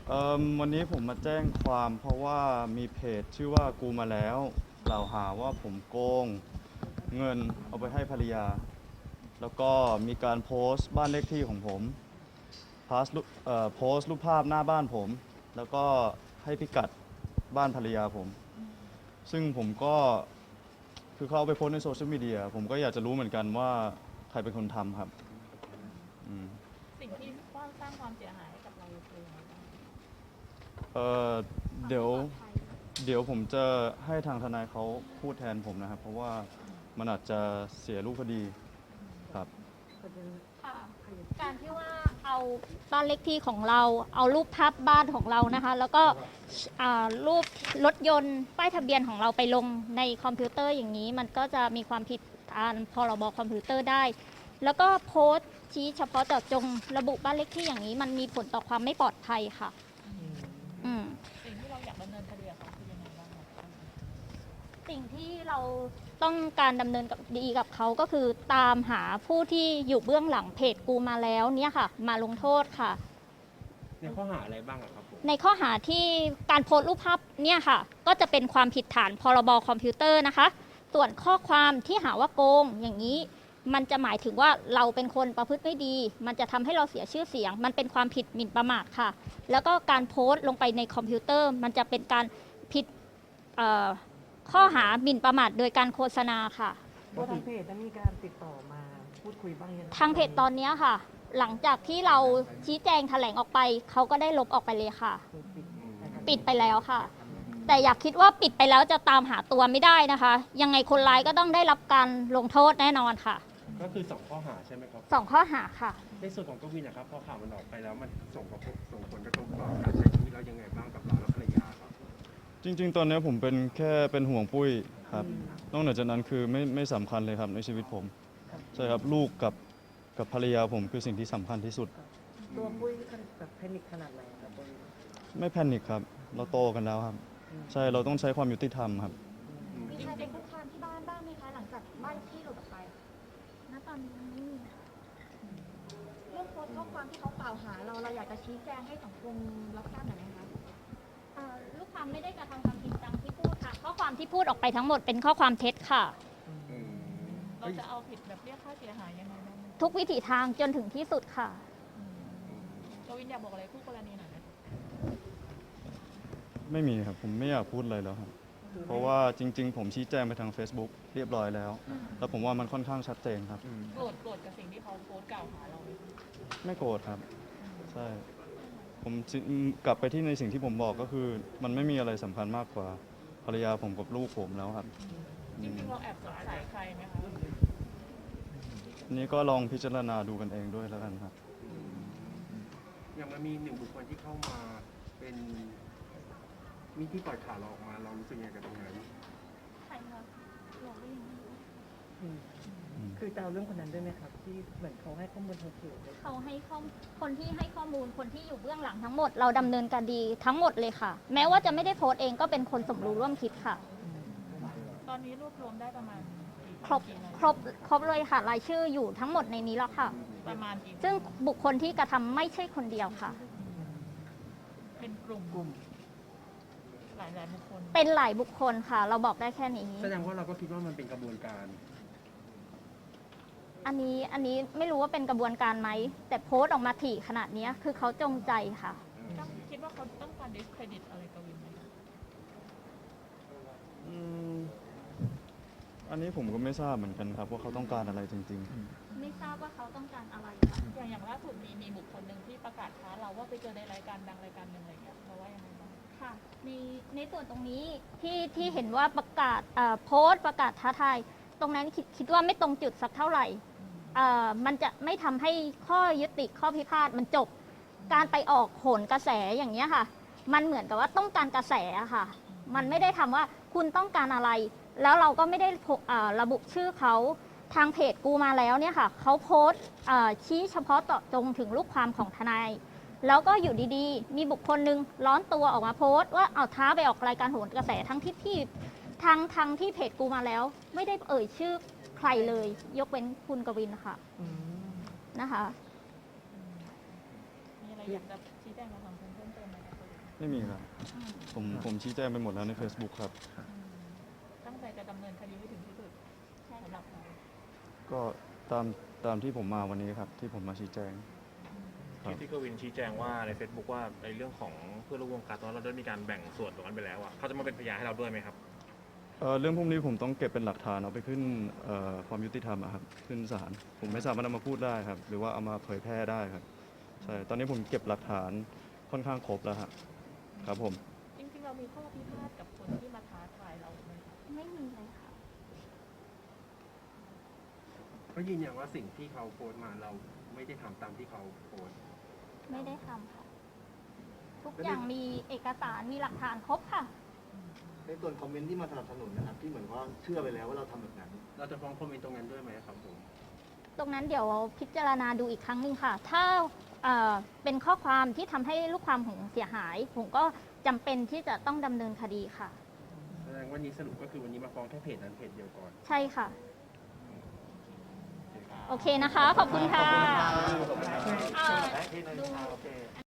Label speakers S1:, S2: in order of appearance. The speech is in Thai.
S1: วันนี้ผมมาแจ้งความเพราะว่ามีเพจชื่อว่ากูมาแล้วกล่าวหาว่าผมโกงเงินเอาไปให้ภรรยาแล้วก็มีการโพสต์บ้านเลขที่ของผมโพสต์รูปภาพหน้าบ้านผมแล้วก็ให้พิกัดบ้านภรรยาผมซึ่งผมก็คือเขาเอาไปโพสต์ในโซเชียลมีเดียผมก็อยากจะรู้เหมือนกันว่าใครเป็นคนทำครับอืม
S2: สิ่งที่สร้างความเสียหายให้กับเราคืออะไรบ้าง
S1: เอ่อเดี๋ยว เดี๋ยวผมจะให้ทางทนายเขาพูดแทนผมนะครับเพราะว่ามันอาจจะเสียรูปคดีครับ
S3: ค่ะการที่ว่าเอาบ้านเลขที่ของเราเอารูปภาพบ้านของเรานะคะแล้วก็รูปรถยนต์ป้ายทะเบียนของเราไปลงในคอมพิวเตอร์อย่างนี้มันก็จะมีความผิดตามพรบคอมพิวเตอร์ได้แล้วก็โพสต์ชี้เฉพาะเจาะจงระบุบ้านเลขที่อย่างนี้มันมีผลต่อความไม่ปลอดภัยค่ะ
S2: สิ่งที่เราอยากดำเนินคดีกับเขาคือยังไงบ้างคะ
S3: สิ่งที่เราต้องการดำเนินดีกับเขาก็คือตามหาผู้ที่อยู่เบื้องหลังเพจกูมาแล้วเนี่ยค่ะมาลงโทษค่ะ
S4: ในข้อหาอะไรบ้างครับผม
S3: ในข้อหาที่การโพสต์รูปภาพเนี่ยค่ะก็จะเป็นความผิดฐานพรบคอมพิวเตอร์นะคะส่วนข้อความที่หาว่าโกงอย่างนี้มันจะหมายถึงว่าเราเป็นคนประพฤติไม่ดีมันจะทำให้เราเสียชื่อเสียงมันเป็นความผิดหมิ่นประมาทค่ะแล้วก็การโพสต์ลงไปในคอมพิวเตอร์มันจะเป็นการผิดข้อหาหมิ่นประมาทโดยการโฆษณาค่ะ
S5: ทางเพจได้มีการติดต่อมาพูดคุยบ้างยัง
S3: ทางเพจตอนนี้ค่ะหลังจากที่เราชี้แจงแถลงออกไปเขาก็ได้ลบออกไปเลยค่ะปิดไปแล้วค่ะแต่อยากคิดว่าปิดไปแล้วจะตามหาตัวไม่ได้นะคะยังไงคนร้ายก็ต้องได้รับการลงโทษแน่นอนค่ะ
S4: ก็คือ2ข้อหาใช่ไหมครับ
S3: 2ข้อหาค่ะ
S4: ในส่วนของกวินนะครับพอข่าวมันออกไปแล้วมันส่งผลกระทบต่อการใช้ชีวิตเรายังไงบ้างกับเราและภรรยาครับ
S1: จริงๆตอนนี้ผมเป็นห่วงปุ้ยครับนอกจากนั้นคือไม่สำคัญเลยครับในชีวิตผมใช่ครับลูกกับภรรยาผมคือสิ่งที่สำคัญที่สุด
S5: ตัวปุ้ยแบบแพนิคขนาดไหนครับปุ้ย
S1: ไม่แพนิคครับเราโตกันแล้วครับใช่เราต้องใช้ความยุติธรรมครับ
S3: มีใครเป็นคุกคามที่บ้านบ้างไหมคะหลังจากบ้านที่หลุดออกไปณตอนนี้เรื่องโพสต์ข้อความที่เขากล่าวหาเราอยากจะชี้แจงให้สังคมรับทราบหน่อยไหมคะลูกความไม่ได้กระทำความผิดตามที่พูดค่ะข้อความที่พูดออกไปทั้งหมดเป็นข้อความเท็จค่ะ
S2: เราจะเอาผิดแบบเรียกค่าเสียหายยังไงบ้าง
S3: ทุกวิถีทางจนถึงที่สุดค่ะ
S2: กวินอยากบอกอะไรคู่กรณีหน่อยไหม
S1: ไม่มีครับผมไม่อยากพูดอะไรแล้วครับเพราะว่าจริงๆผมชี้แจงไปทาง Facebook เรียบร้อยแล้วแล้วผมว่ามันค่อนข้างชัดเจนครับ
S2: โกรธกับสิ่งที่เขาโพสต์กล่าวหาเราไหม
S1: ไม่โกรธครับใช่ผมกลับไปที่ในสิ่งที่ผมบอกก็คือมันไม่มีอะไรสำคัญมากกว่าภรรยาผมกับลูกผมแล้วครับ
S2: จริงๆเราแอบสงสัยใครไหมคะ
S1: อันนี้ก็ลองพิจารณาดูกันเองด้วยแล้วกันครับ
S4: อย่างมันมี1 บุคคลที่เข้ามาเป็นมีที่ปล่อยข่าวเราออกมาเรารู้สึกยังไงกับตรงนั้น
S3: ใครคะเราได้ยิน
S5: คือจะเอาเรื่องคนนั้นด้วยไหมครับที่เหมือนเขาให้ข้อมูลทางเพจ
S3: เขาให้คนที่ให้ข้อมูลคนที่อยู่เบื้องหลังทั้งหมดเราดำเนินคดีทั้งหมดเลยค่ะแม้ว่าจะไม่ได้โพสต์เองก็เป็นคนสมรู้ร่วมคิดค่ะ
S2: ตอนนี้รวบรวมได้ประมาณ
S3: ครบเลยค่ะรายชื่ออยู่ทั้งหมดในนี้แล้วค่ะ
S2: ประมาณกี่
S3: ซึ่งบุคคลที่กระทำไม่ใช่คนเดียวค่ะ
S2: เป็นกลุ่มหลายบุคคล
S3: เป็นหลายบุคคลค่ะเราบอกได้แค่นี้
S4: แสดงว่าเราก็คิดว่ามันเป็นกระบวนการ
S3: อันนี้ไม่รู้ว่าเป็นกระบวนการไหมแต่โพสต์ออกมาถี่ขนาดนี้คือเขาจงใจค่ะ
S2: คิดว่าเขาต้องการ discredit อะไรกวินไหม
S1: อันนี้ผมก็ไม่ทราบเหมือนกันครับว่าเขาต้องการอะไรจริง
S3: ๆไม่ทราบว่าเขาต้องการอะไรค่ะ
S2: อย่างล่าสุดมีบุคคลหนึ่งที่ประกาศท้าเราว่าไปเจอในรายการดังรายการหนึ่งอะไรเงี้ยเราว่ายังไงบ้าง
S3: ค่ะในส่วนตรงนี้ที่เห็นว่าประกาศโพสต์ประกาศท้าทายตรงนั้นคิดว่าไม่ตรงจุดสักเท่าไหร่มันจะไม่ทำให้ข้อยุติข้อพิพาทมันจบการไปออกโหนกระแสอย่างนี้ค่ะมันเหมือนกับว่าต้องการกระแสค่ะมันไม่ได้ทำว่าคุณต้องการอะไรแล้วเราก็ไม่ได้ระบุชื่อเขาทางเพจกูมาแล้วเนี่ยค่ะเขาโพสต์ชี้เฉพาะเจาะจงถึงลูกความของทนายแล้วก็อยู่ดีๆมีบุคคลหนึ่งร้อนตัวออกมาโพสต์ว่าเอาท้าไปออกรายการโหนกระแสทั้งที่ที่เพจกูมาแล้วไม่ได้เอ่ยชื่อใครเลยยกเว้นคุณกวินค่ะนะคะ
S2: มีอะไรอยากจะชี้แจงกับสังคมเพิ่มเติมไหมคะ
S1: ไม่มีครับ
S2: อืม
S1: ผมชี้แจงไปหมดแล้วใน Facebook ครับ
S2: ตั้งใจจะดำเนินคดีให้ถึงที่สุด
S3: ใช่
S2: สำหรับ
S3: ค่ะ
S2: เรา
S1: ก็ตามที่ผมมาวันนี้ครับ ที่ผมมาชี้แจง ครับ
S6: ที่กวินชี้แจงว่าใน Facebook ว่าในเรื่องของเพื่อนร่วมวงการตอนนั้นเราได้มีการแบ่งส่วนตรงนั้นไปแล้วอ่ะเขาจะมาเป็นพยานให้เราด้วยไหมครับ
S1: เรื่องพวกนี้ผมต้องเก็บเป็นหลักฐานเอาไปขึ้นความยุติธรรมอะครับขึ้นศาลผมไม่สามารถเอามาพูดได้ครับ หรือว่าเอามาเผยแพร่ได้ครับใช่ตอนนี้ผมเก็บหลักฐานค่อนข้างครบแล้วครับผม
S2: จริงๆเรามีข้อพิพาทกับคนที่มาท้าทายเราไหมคะ
S3: ไม่มีเลยค่ะ
S4: ก็ยืนยันว่าสิ่งที่เขาโพสต์มาเราไม่ได้ทำตามที่เขาโพสต์
S3: ไม่ได้ทำค่ะ ทุกอย่างมีเอกสารมีหลักฐานครบค่ะ
S7: ในส่วนคอมเมนต์ที่มาสนับสนุนนะครับที่เหมือนว่าเชื่อไปแล้วว่าเราทำแบบนั้น
S4: เราจะฟ้องคอมเมนต์ตรงนั้นด้วยไหมครับผม
S3: ตรงนั้นเดี๋ยวพิจารณาดูอีกครั้งหนึ่งค่ะ ถ้าเป็นข้อความที่ทำให้ลูกความของเสียหาย ผมก็จำเป็นที่จะต้องดำเนินคดีค่ะ
S4: แสดงวันนี้สรุปก็คือวันนี้มาฟ้องแค่เพจนั้นเพจเดียวก่อน
S3: ใช่ค่ะ โอเคนะคะ ขอบคุณค่ะ
S7: โอเค